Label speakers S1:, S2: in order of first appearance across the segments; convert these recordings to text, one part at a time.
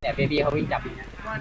S1: เนี่ยเบบี้เขาวิ่งจับ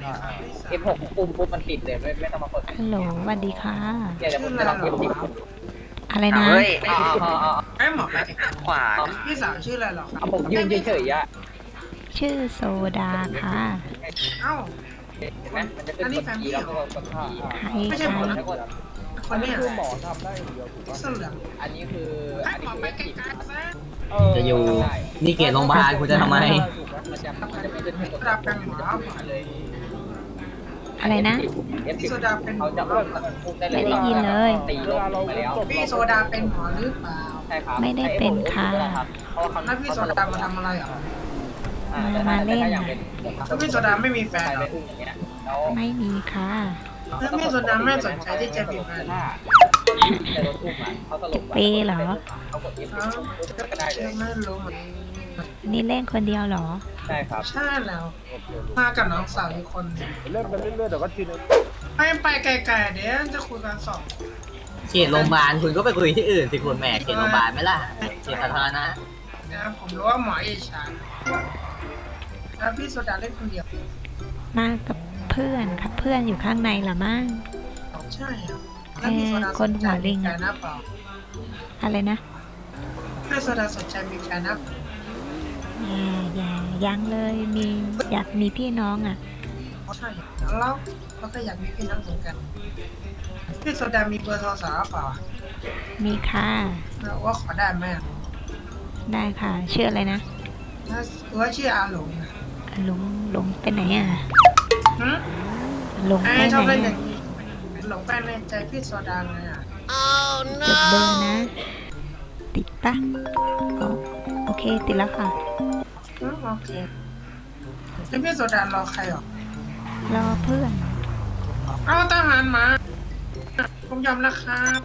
S1: F6ปุ่มปุ๊บมันติดเลยไม่ต้องมาเปิด
S2: ฮัลโหลสวัสดีค่ะ
S1: เนี่ยเดี๋ยวผมจะลองF10
S2: อะไรนะ
S3: เฮ้ย
S4: ไอ้หมอไป
S3: ขวา
S4: พี่สาวชื่ออะไรหรอครับ
S1: ผมยืนเฉยๆอ่ะ
S2: ชื่อโซดาค่ะ
S4: เอ้า
S1: เห็นไหมมันจะขึ้นกดEแล้วก็กดข้า
S2: ใคร
S4: ไม่ใช่หมอนะ
S1: แล้วก็
S4: คนเนี้ย
S1: คือหมอทำได้เดียวถูกป่ะ
S4: เสื้อเหลือง
S1: อันนี้คือ
S4: ไอ้
S1: อัน
S4: หม
S1: นี้
S4: อ
S1: คือ
S4: ไป
S1: F10
S4: ไกลๆซะ
S5: จะอยู่นี่เขตโรงพยาบาลคุณจะทำไม
S1: มันจะไม่ขึ้นกด
S4: ระดับเป็นหมอ
S1: เลย
S2: อะไรนะ
S1: F10
S4: โซดาเป็นหม
S1: เขา
S4: อ
S1: จะเริ่มปุ่มได้เลย
S2: ไม่ได้ยินเลย
S1: ตีลงไปแล้ว
S4: พี่โซดาเป็นหมอหรือเปล่า
S1: ใช่ครับ
S2: ไม่ได้เป็นค่ะ
S1: เพราะว่าเขา
S4: แล้วพี่โซดามาทำอะไรอ่ะ
S2: มาเล่น
S4: แล้วพี่โซดาไม่มีแฟน
S1: ใคร
S4: เหร
S1: ไป
S4: อ
S1: อุ้มอย่างเงี้ยแล้ว
S2: ไม่มีค่ะ
S4: แล้วพี่โซดาไม่สนใจที่จะมีแฟน
S1: แต่รถอุ้มอ่ะเขาตลก
S2: เปเหรอ
S1: เขากด F
S4: เอ้า
S1: ก็ได้เลย
S4: ไม่รู้เหมือน
S2: นี่เล่นคนเดียวเหรอ
S1: ใช่ครับ
S4: ใช่แล้วมากับน้องสาวอีกคนหนึ่ง
S1: เล่นไปเรื่อยๆแต่ว่าทีนึง
S4: ไปไกลๆเดี๋ยวจะคุยกันสอง
S5: เขตโรงพยาบาลคุณก็ไปคุยที่อื่นสิคุณแหม่เขตโรงพยาบาลไหมล่ะเขตสาธารณะ
S4: นะผมรู้ว่าหมอเอชาแล้วพี่โซดาเล่นคนเดียว
S2: มากับเพื่อนค่ะเพื่อนอยู่ข้างในเหรอมั่ง
S4: ใช่ครับแล้วพี่โซดา
S2: คนหัวลิง
S4: แฟ
S2: อะ
S4: นนะเปล่า
S2: อะไรนะ
S4: พี่โซดาสนใจมีแฟนนะ
S2: อย่ายังเลยมีอยากมีพี่น้องอ่ะ
S4: ใช่แล้วเราก็อยากมีพี่น้องเหมือนกันพี่โซดามีเบอร์โทรศัพท์เปล่า
S2: มีค่ะ
S4: ว่าขอได้ไหม
S2: ได้ค่ะชื่ออะไรนะ
S4: ว่าชื่ออาหลงนะ
S2: หลงไปไหนอ่ะ
S4: หืม
S2: หลง
S4: ไอ้
S2: ไป
S4: ชอบ
S2: ไหน
S4: เล่นอ
S2: อะ
S4: ย่างนี้หลงไปในใจพี่โซดาเลยอ่ะ
S2: จดเบอร์นะ ติดปะอ๋อโอเคติดแล้วค่ะ
S4: โอเคแล้วพี่โซดารอใครหรอ
S2: รอเพื่อน
S4: เอาทหารมาผมยอมแล้วครับ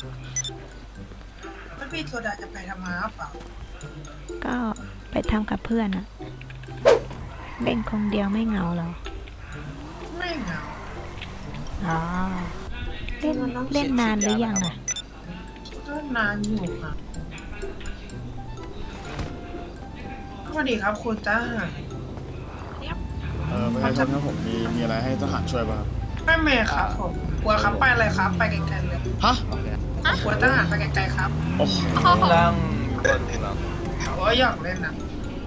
S4: แล้วพี่โซดาจะไปทำงานหรือเปล่า
S2: ก็ไปทำกับเพื่อนอะเล่นคนเดียวไม่เหงาเหรอ
S4: ไม่เหงา
S2: อ๋อเล่นนานหรือยังอะ
S4: ก็นานอยู่ครับสวัสดีครับคุณจ้า
S6: ไม่ใช่ครับผมมีอะไรให้ทหารช่วยป่ะครับ
S4: ไม่เมย์ครับผมกลัวครับไปเลยครับ ไปไกลๆเลย
S6: ฮะ
S4: กลัวทหารไปไกลๆครับ
S6: โอ้โห
S3: ตั้งคนที่แบบ
S4: โอ้ยอยากเล่นนะ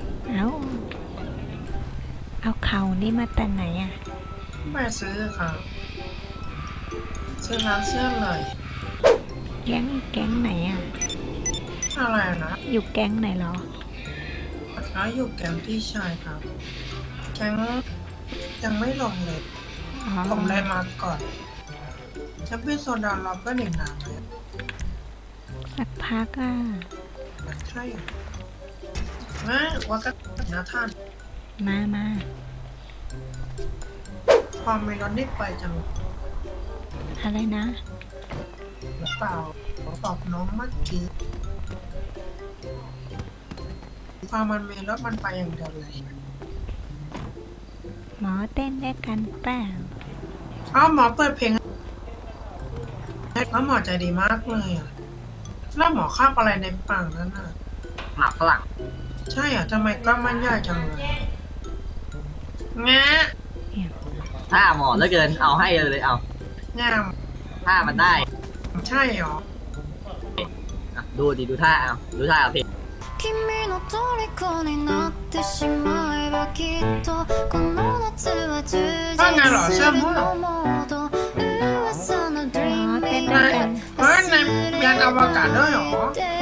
S2: เอาเขานี่มาแต่ไหนอะ
S4: ไม่ซื้อครับซื้อร้านเสื้อเลย
S2: แก๊งไหนอะ
S4: อะไรนะ
S2: อยู่แก๊งไหนเหรอ
S4: เขาอยู่แก๊งพี่ชายครับ แก๊งยังไม่ลงเลย
S2: อ๋อ
S4: ผมเลยมาก่อนแชมเปี้ยนโซดาเราก็หนึ่งนานเลย
S2: สักพักอะ
S4: ใช่ไม่ว่าก็นะท่าน
S2: มา
S4: ความเมลอนได้ไปจัง
S2: อะไรนะ
S4: หรือเปล่าขอตอบน้องเมื่อกี้ความมันเมลอนมันไปอย่างเดียวเลย
S2: หมอเต้นได้กันเปล่า
S4: อ้าวหมอเปิดเพลงแล้วหมอใจดีมากเลยอ่ะแล้วหมอคาบอะไรในปากนั้นอ่ะ
S5: หมากฝรั่ง
S4: ใช่อ่ะทำไมกล้องมันใหญ่จังเลยงะ
S5: ถ้าหมอแล้วเกินเอาให้เลยเอา
S4: งาม
S5: ถ้ามันได้
S4: ใช่หรอ
S5: อ่ะดูดิดูท่าเอาดูท่าเอาเพลง
S7: 君の虜になってしまえばきっとこの夏は充実するのモード噂の Dream
S2: เต้น
S4: ใน
S2: ด้วยกัน
S4: เฮ้ยในยานอวกาศด้วยเหรอ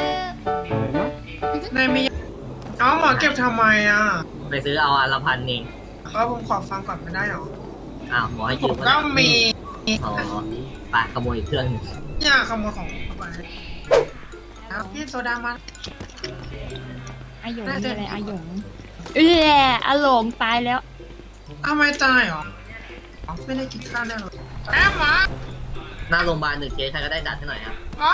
S4: ในมีเอาหมอเก็บทำไมอ่ะ
S5: ไปซื้อเอาอันละ1,000เอง
S4: ผมขอฟังก่อนไม่ได้หรอ
S5: อ้าวหมอให้
S4: ผ
S5: ยื
S4: ม
S5: ม
S4: ก็มี
S5: อ๋อไปขโมยอีกเครื่องหนึ่ง
S4: อยากขโมยของผมไปเอาพี่โซดามา
S8: อาหยงมีอะไรอาหยงอาหลงตายแล้ว
S4: เอาไม่ตายเหรอไม่ได้กินข้าวแน่เลยแอบหมา
S5: หน้าโรงพยาบาล1เคสใครก็ได้จัดให้หน่อยครับ
S4: อ๋อ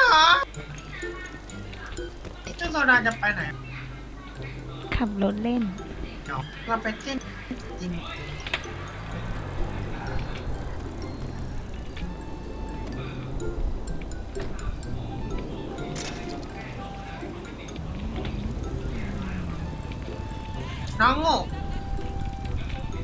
S4: พี่โซดาจะไปไหน
S2: ขับรถเล่น
S4: เราไปเต้นจริงน้องโง่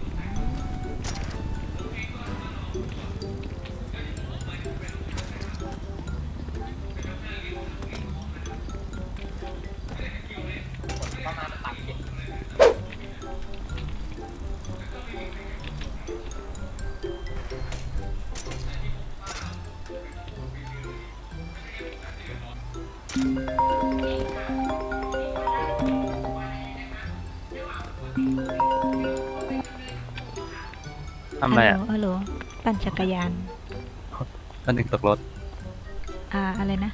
S3: ทำอะไรอ่ะ
S2: ฮัลโหลปั่นจักรยาน
S3: ตอนหนึ่งตกรถ
S2: อะไรนะ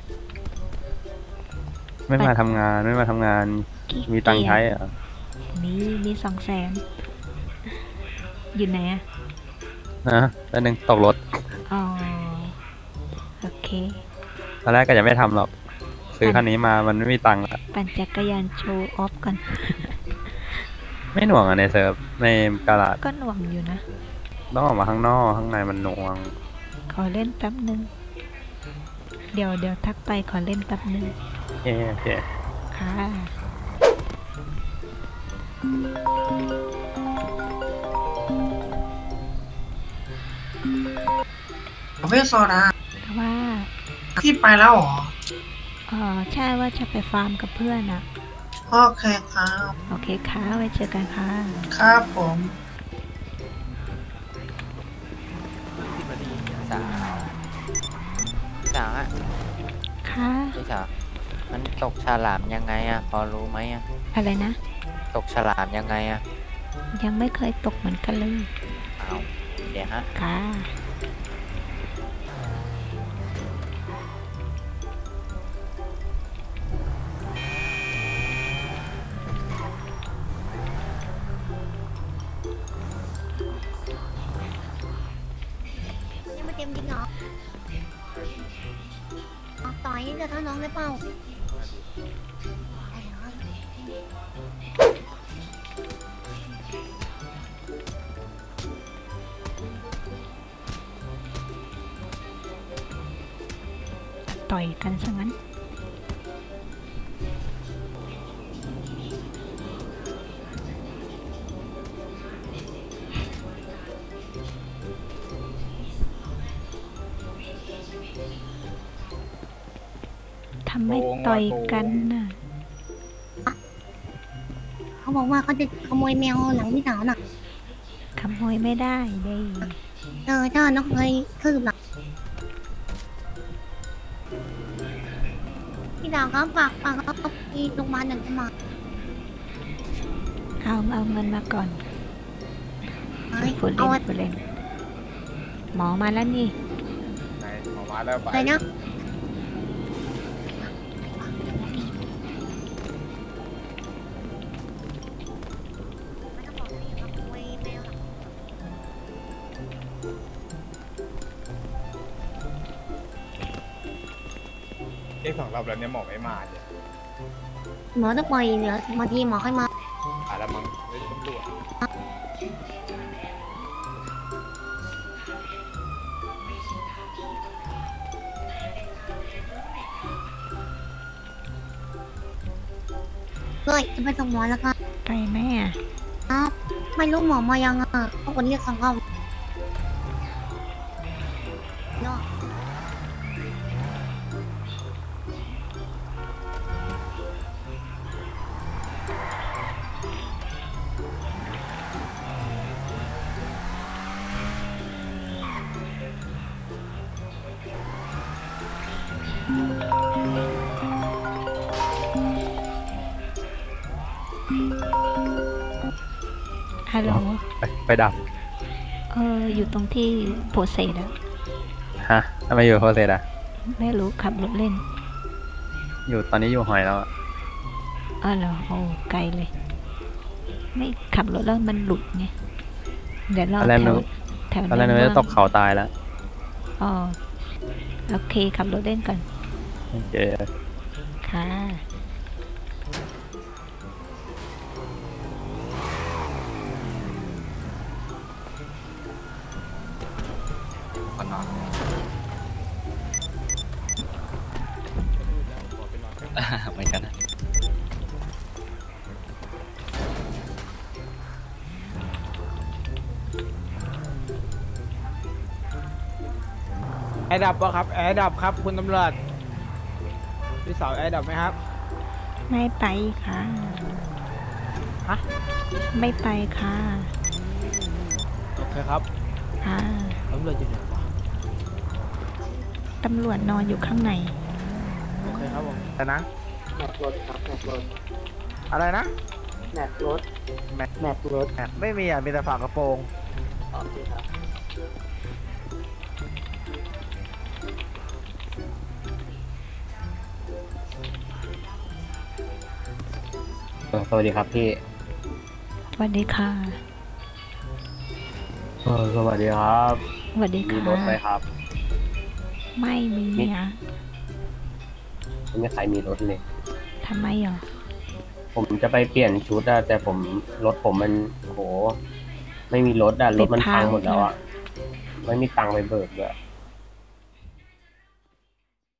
S3: ไม่มาทำงานไม่มาทำงาน
S2: ขี้
S3: มีตังค์
S2: เกียจ
S3: ใช้เหรอ
S2: มี200,000อยู่ไหนอะ
S3: นะตอนหนึ่งตกรถ
S2: อ๋อ โอเค
S3: ตอนแรกก็จะไม่ทำหรอก ซื้อคันนี้มามันไม่มีตังค์ละ
S2: ปั่นจักรยานโชว์ออฟก่อน
S3: ไม่หน่วงอ่ะในเซิร์ฟในกาลาด
S2: ก็หน่วงอยู่นะ
S3: ต้องออกมาข้างนอกข้างในมันหน่วง
S2: ขอเล่นแป๊บนึง เดี๋ยวทักไปขอเล่นแป๊บนึง
S3: โอเค
S2: ค่ะ
S4: ประเภทโซดา
S2: ว่า
S4: พี่ไปแล้วเหรอ
S2: ใช่ว่าจะไปฟาร์มกับเพื่อนอะ
S4: โอเคครับ
S2: โอเคค่ะ ไว้เจอกันค่ะ
S4: ครับผม
S9: สาวอะ
S2: ค่ะ
S9: พี่สาวมันตกฉลามยังไงอะพอรู้ไหมอะ
S2: อะไรนะ
S9: ตกฉลามยังไงอะ
S2: ยังไม่เคยตกเหมือนกันเลย
S9: เอาเดี๋ยวฮะ
S2: ค่ะ
S7: ยังไม่เต็มจริงเหรอต่อยจะท่าน้องได้เปล่า
S2: ต่อยกันซะงั้น ทำไมต่อยกันน่ะ
S7: เขาบอกว่าเขาจะขโมยแมวหลังพี่สาวน่ะ
S2: ขโมยไม่ได้เด้
S7: ถ้าน้องเคยคืบหลังพี่สาวเขาฝากเขาที่โรงพยาบาลหนึ่งจะมา
S2: เอาเงินมาก่อน พูด
S7: เอา
S2: เล่นพูดเล่น หมอมาแล้วนี่
S6: ไหนหมอมาแล้วไป
S7: อะไรนะไม่ต้องบอกว่าอย่าขโมยแมวหลัง
S6: เรียก2 รอบแล้วเนี่ยหมอไม่มาเนี่ย
S7: หมอต้องปล่อยเหลือบางทีหมอค่อยมา
S6: แล้วมั้งไม่ตำรวจ
S7: เลยจะไปส่งหมอแล้วครับ
S2: ไปแม่
S7: ครับไม่รู้หมอมายังอ่ะเขาคนเรียก2 รอบเนาะ
S2: ฮัลโหล
S3: ไปดับ
S2: อยู่ตรงที่โพเซดอะ
S3: ฮะทำไมอยู่โพเซตอ่ะ
S2: ไม่รู้ขับรถเล่น
S3: ตอนนี้อยู่หอยแล้วอะ
S2: เหรอ โอ้ไกลเลย ไม่ขับรถแล้วมันหลุดไง เดี๋ยวรอ
S3: ตอนแรก
S2: แถ
S3: นึ
S2: ว
S3: ก
S2: แถว
S3: ตอนแรกนึก
S2: นั้น
S3: ว่าจะตกเขาตายแล้ว
S2: อ๋อโอเคขับรถเล่นก่อน
S3: โอเค
S2: ค่ะ
S9: ก่อนนอน เหมือนกันนะ
S10: แอร์ดับวะครับแอร์ดับครับคุณตำรวจพี่สาวแอร์ดับไหมครับ
S2: ไม่ไปค่ะ
S10: ฮะ
S2: ไม่ไปค่ะ
S10: โอเคครับ
S2: ค่ะ
S10: ตำรวจอยู่ไหนวะ
S2: ตำรวจนอนอยู่ข้างใน
S10: โอเคครับผม
S1: แต่นะแมปรถครับแมปรถ
S10: อะไรนะ
S1: แมปรถ
S10: แมปรถไม่มีอ่ะมีแต่ฝากระโปรง
S5: โอเคครับ
S3: สวัสดีครับพี่
S2: สวัสดีค่ะ
S3: สวัสดีครับ
S2: สวัสดี
S3: มี
S2: ค่ะ
S3: รถไหมครับ
S2: ไม่มีอ่ะ
S3: ไม่มีใครมีรถเลย
S2: ทำไมเหรอ
S3: ผมจะไปเปลี่ยนชุดอะแต่รถผมมันโห ไม่มีรถอะรถมันพังหมดแล้วอะไม่มีตังค์ไปเบิกด้วย